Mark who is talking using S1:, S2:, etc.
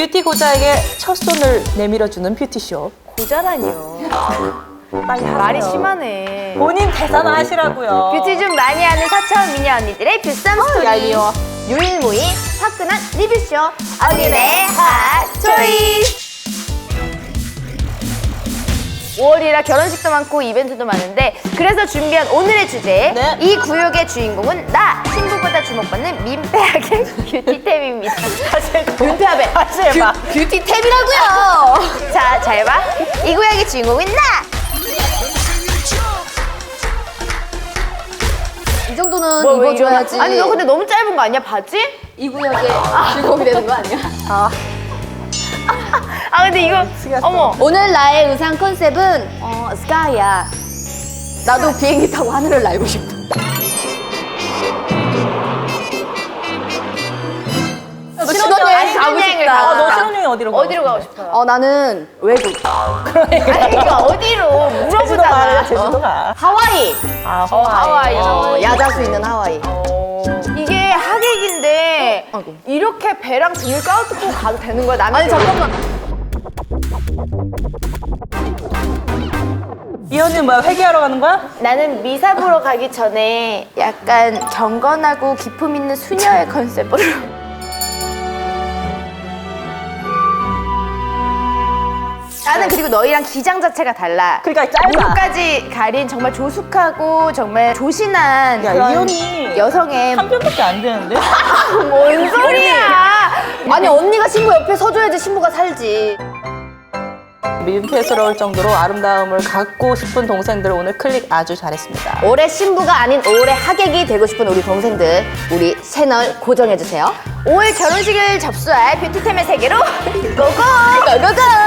S1: 뷰티 고자에게 첫 손을 내밀어주는 뷰티쇼.
S2: 고자라니요.
S1: 빨리 하세요.
S2: 말이 심하네.
S1: 본인 대사나 하시라고요.
S2: 뷰티 좀 많이 하는 사차원 미녀 언니들의 뷰쌈 스토리.
S1: 얄미워.
S2: 유일무이 화끈한 리뷰쇼 언니네 핫 초이스. 5월이라 결혼식도 많고 이벤트도 많은데 그래서 준비한 오늘의 주제
S1: 네.
S2: 이 구역의 주인공은 나 신부보다 주목받는 민폐하게 뷰티템입니다. 민폐하게
S1: 다시 해봐.
S2: 뷰티템이라고요. 자, 잘 봐. 이 구역의 주인공은 나.
S3: 이 정도는
S2: 뭐, 왜
S3: 입어줘야지.
S2: 아니 너 근데 너무 짧은 거 아니야 바지?
S3: 이 구역의 주인공이 되는 거 아니야?
S2: 아 근데 이거 어머
S3: 오늘 나의 의상 컨셉은 스카이야. 나도 비행기 타고 하늘을 날고 싶다.
S2: 신혼여행 가고 싶다.
S1: 너 신혼여행 어디로 가고
S2: 어디로 가고 싶어요?
S3: 나는 외국.
S2: 아니 그러니까 어디로
S1: 제주도 가요,
S2: 물어보잖아.
S1: 제주도 가.
S3: 하와이.
S1: 아,
S2: 하와이.
S3: 야자수 있는 하와이.
S2: 이게 하객인데
S3: 아이고.
S2: 이렇게 배랑 등을 까웃고 가도 되는 거야? 나는
S3: 아니 잠깐만.
S1: 이 언니 뭐야, 회계하러 가는 거야?
S2: 나는 미사 보러 가기 전에 약간 경건하고 기품 있는 수녀의 컨셉으로 나는 그리고 너희랑 기장 자체가 달라.
S1: 그러니까 짧아.
S2: 무릎까지 가린 정말 조숙하고 정말 조신한
S1: 야,
S2: 그런
S1: 이 언니
S2: 여성의
S1: 한 편밖에 안 되는데?
S2: 뭔 소리야?
S3: 아니 언니가 신부 옆에 서줘야지 신부가 살지.
S1: 민폐스러울 정도로 아름다움을 갖고 싶은 동생들 오늘 클릭 아주 잘했습니다.
S3: 올해 신부가 아닌 올해 하객이 되고 싶은 우리 동생들 우리 채널 고정해주세요.
S2: 5월 결혼식을 접수할 뷰티템의 세계로 고고!
S3: 고고고!